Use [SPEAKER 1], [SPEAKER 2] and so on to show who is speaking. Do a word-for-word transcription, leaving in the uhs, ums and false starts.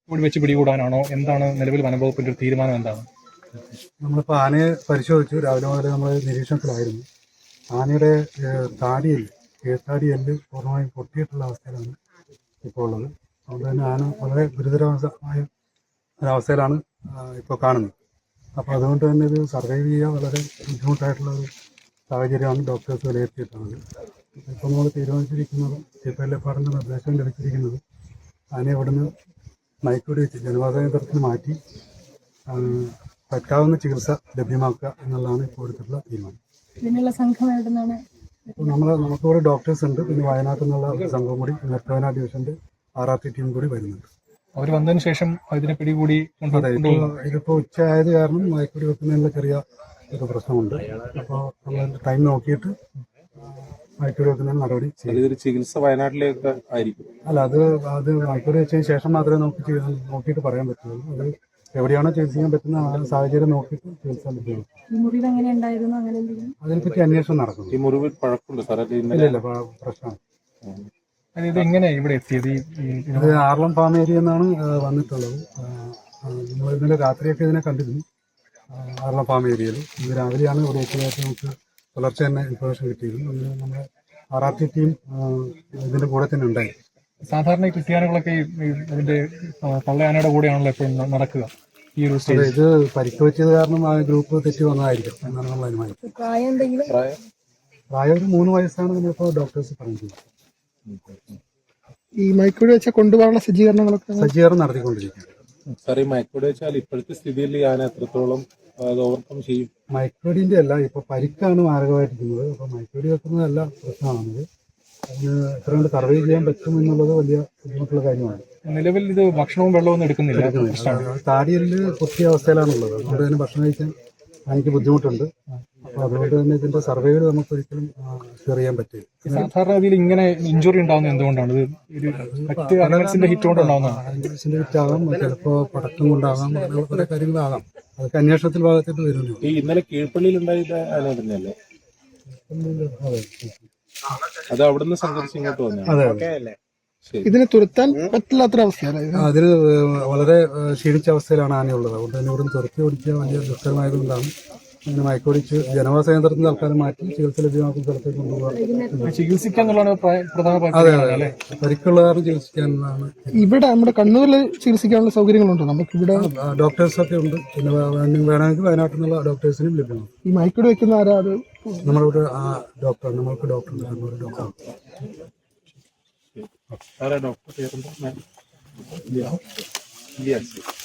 [SPEAKER 1] ഇവിടെ വെച്ച് പിടികൂടാനാണോ? എന്താണ് നിലവിൽ വനംവകുപ്പിന്റെ ഒരു തീരുമാനം എന്താണ്?
[SPEAKER 2] നമ്മളിപ്പോൾ ആനയെ പരിശോധിച്ചു. രാവിലെ മുതൽ നമ്മൾ നിരീക്ഷണത്തിലായിരുന്നു. ആനയുടെ താടിയിൽ കീഴ്ത്താടി എല്ല് പൂർണ്ണമായും പൊട്ടിയിട്ടുള്ള അവസ്ഥയിലാണ് ഇപ്പോൾ ഉള്ളത്. അതുകൊണ്ട് തന്നെ ആന വളരെ ഗുരുതരമായ ഒരവസ്ഥയിലാണ് ഇപ്പോൾ കാണുന്നത്. അപ്പോൾ അതുകൊണ്ട് തന്നെ ഇത് സർവൈവ് ചെയ്യുക വളരെ ബുദ്ധിമുട്ടായിട്ടുള്ള ഒരു സാഹചര്യമാണ് ഡോക്ടേഴ്സ് വിലയിരുത്തിയിട്ടുള്ളത്. ഇപ്പോൾ നമ്മൾ തീരുമാനിച്ചിരിക്കുന്നത് ചീഫ് വെള്ളപ്പാടിൻ്റെ നിർദ്ദേശം ലഭിച്ചിരിക്കുന്നത് ആനയെ ഇവിടുന്ന് മയക്കുവെടി വെച്ച് ജനവാസ കേന്ദ്രത്തിന് മാറ്റി പറ്റാവുന്ന ചികിത്സ ലഭ്യമാക്കുക എന്നുള്ളതാണ് ഇപ്പോൾ എടുത്തിട്ടുള്ള തീരുമാനം.
[SPEAKER 3] ഇതിനുള്ള സംഘം എവിടെ നിന്നാണ്?
[SPEAKER 2] നമ്മൾ നമുക്കിവിടെ ഡോക്ടേഴ്സ് ഉണ്ട്. പിന്നെ വയനാട്ടിൽ നിന്നുള്ള സംഘം കൂടി നെത്തോന ഡിവിഷന്റെ ആർ ആർ ടി ടീം കൂടി വരുന്നുണ്ട്.
[SPEAKER 1] അവർ വന്നതിന് ശേഷം ഇതിനെ പിടികൂടി
[SPEAKER 2] ഇതിപ്പോൾ ഉച്ച ആയത് കാരണം മയക്കുവെടി വെക്കുന്നതിനുള്ള ചെറിയ ഒരു പ്രശ്നമുണ്ട്. അപ്പോൾ നമ്മൾ ടൈം നോക്കിയിട്ട് മയക്കുവെടി വെക്കുന്ന നടപടി ചെയ്യും.
[SPEAKER 4] ചികിത്സ വയനാട്ടിലേക്ക് ആയിരിക്കും.
[SPEAKER 2] അല്ല, അത് അത് മയക്കുവെടി വെച്ചതിന് ശേഷം മാത്രമേ നമുക്ക് നോക്കിയിട്ട് പറയാൻ പറ്റുള്ളൂ. അത് എവിടെയാണോ ചികിത്സിക്കാൻ പറ്റുന്ന ആ സാഹചര്യം നോക്കിയിട്ട് ചികിത്സ ലഭ്യമാണ്. അതിനെപ്പറ്റി അന്വേഷണം നടക്കുന്നു.
[SPEAKER 4] ഈ മുറിവിൽ പഴക്കമുണ്ട് സാർ?
[SPEAKER 2] ഇല്ല ഇല്ല, പ്രശ്നമാണ്.
[SPEAKER 1] ഇത് എങ്ങനെ ഇവിടെ എത്തിയത്?
[SPEAKER 2] ഇത് ആർളം ഫാം ഏരിയ എന്നാണ് വന്നിട്ടുള്ളത്. നമ്മൾ ഇന്നലെ രാത്രിയൊക്കെ ഇതിനെ കണ്ടിരുന്നു ആർളം ഫാം ഏരിയയിൽ. ഇത് രാവിലെയാണ് ഇവിടെ എത്തിയതായിട്ട് നമുക്ക് പുലർച്ചെ തന്നെ ഇൻഫർമേഷൻ കിട്ടിയിരുന്നു. നമ്മുടെ ആർ ആർ ടി ടീം ഇതിന്റെ കൂടെ തന്നെ ഉണ്ടായി.
[SPEAKER 1] സാധാരണ ഈ ക്രിസ്ത്യാനികളൊക്കെ ഇതിന്റെ തള്ളയാനയുടെ കൂടെയാണല്ലോ എപ്പോഴും നടക്കുക. ഈ ഒരു
[SPEAKER 2] ഇത് പരിക്ക് വെച്ചത് കാരണം ആ ഗ്രൂപ്പ് തെറ്റി വന്നതായിരിക്കും എന്നാണ് നമ്മൾ അനുമാനിക്കുന്നത്. പ്രായം ഒരു മൂന്ന് വയസ്സാണ് നമ്മളിപ്പോൾ ഡോക്ടേഴ്സ് പറഞ്ഞിട്ടുള്ളത്.
[SPEAKER 5] ഈ മയക്കുവെടി വെച്ച കൊണ്ടുപോകാനുള്ള സജ്ജീകരണങ്ങളൊക്കെ
[SPEAKER 2] സജ്ജീകരണം നടത്തിക്കൊണ്ടിരിക്കുകയാണ്.
[SPEAKER 4] സാർ, ഈ മയക്കുവെടി വെച്ചാൽ ഇപ്പോഴത്തെ സ്ഥിതിയിൽ ഞാൻ എത്രത്തോളം ഓവർകം ചെയ്യും?
[SPEAKER 2] മയക്കുവെടിന്റെ അല്ല, ഇപ്പൊ പരിക്കാണ് മാരകമായിരിക്കുന്നത്. അപ്പൊ മയക്കുവെടി വെക്കുന്നതല്ല പ്രശ്നമാണത്. അതിന് എത്ര കൊണ്ട് സർവൈവ് ചെയ്യാൻ പറ്റും എന്നുള്ളത് വലിയ ബുദ്ധിമുട്ടുള്ള കാര്യമാണ്.
[SPEAKER 1] നിലവിൽ ഇത് ഭക്ഷണവും വെള്ളവും എടുക്കുന്നില്ല.
[SPEAKER 2] താടിയല് പൊട്ടിയ അവസ്ഥയിലാണുള്ളത്. അതുകൊണ്ട് തന്നെ ഭക്ഷണം കഴിക്കാൻ എനിക്ക് ബുദ്ധിമുട്ടുണ്ട്. അപ്പൊ അതുകൊണ്ട് തന്നെ ഇതിന്റെ സർവൈവൽ നമുക്ക് ഒരിക്കലും ഷെയർ ചെയ്യാൻ പറ്റില്ല.
[SPEAKER 1] സാധാരണ രീതിയിൽ ഇങ്ങനെ ഇഞ്ചുറി ഉണ്ടാവുന്നത് എന്തുകൊണ്ടാണ്? ഇത് ഹിറ്റ് കൊണ്ടുണ്ടാവുന്നതാണ്.
[SPEAKER 2] ഹിറ്റ് ആകാം, ചിലപ്പോ പടക്കം കൊണ്ടാകാം, അങ്ങനെ പല കാര്യങ്ങളാകാം. അതൊക്കെ അന്വേഷണത്തിൽ ഭാഗത്തേക്ക് വരുന്നു.
[SPEAKER 4] ഈ ഇന്നലെ കീഴ്പള്ളിയിൽ ഉണ്ടായത് ആന തന്നെയല്ലേ? അത് അവിടുന്ന് സംഘടിച്ച് ഇങ്ങോട്ട് വന്നു.
[SPEAKER 5] ഇതിനെ തുരത്താൻ പറ്റില്ലാത്ത അവസ്ഥയാണ്.
[SPEAKER 2] അതിന് വളരെ ക്ഷീണിച്ച അവസ്ഥയിലാണ് ആനയുള്ളത്. അതുകൊണ്ട് തന്നെ ഇവിടുന്ന് തുരത്തി ഓടിക്കുക വലിയ ദുഷ്കരമായതുകൊണ്ടാണ് അങ്ങനെ മയക്കുവെടിച്ച് ജനവാസ കേന്ദ്രത്തിൽ തൽക്കാലം മാറ്റി ചികിത്സ ലഭ്യമാക്കുന്ന സ്ഥലത്തേക്ക് കൊണ്ടുപോകാൻ.
[SPEAKER 1] ചികിത്സിക്കാന്നുള്ളതാണ് പ്രധാന.
[SPEAKER 2] അതെ അതെ, പരിക്കുള്ള കാരണം ചികിത്സിക്കാനാണ്.
[SPEAKER 5] ഇവിടെ നമ്മുടെ കണ്ണൂരിൽ ചികിത്സിക്കാനുള്ള സൗകര്യങ്ങളുണ്ട്. നമുക്ക് ഇവിടെ
[SPEAKER 2] ഡോക്ടേഴ്സൊക്കെ ഉണ്ട്. പിന്നെ വേണമെങ്കിൽ വയനാട്ടിൽ നിന്നുള്ള ഡോക്ടേഴ്സിനും ലഭ്യമാണ്.
[SPEAKER 5] ഈ മയക്കുവെടി വെക്കുന്ന ആരാ? അത്
[SPEAKER 2] നമ്മളിവിടെ ആ ഡോക്ടർ നമ്മൾക്ക് ഡോക്ടർ കണ്ണൂർ ഡോക്ടർ.
[SPEAKER 4] ഡോക്ടർ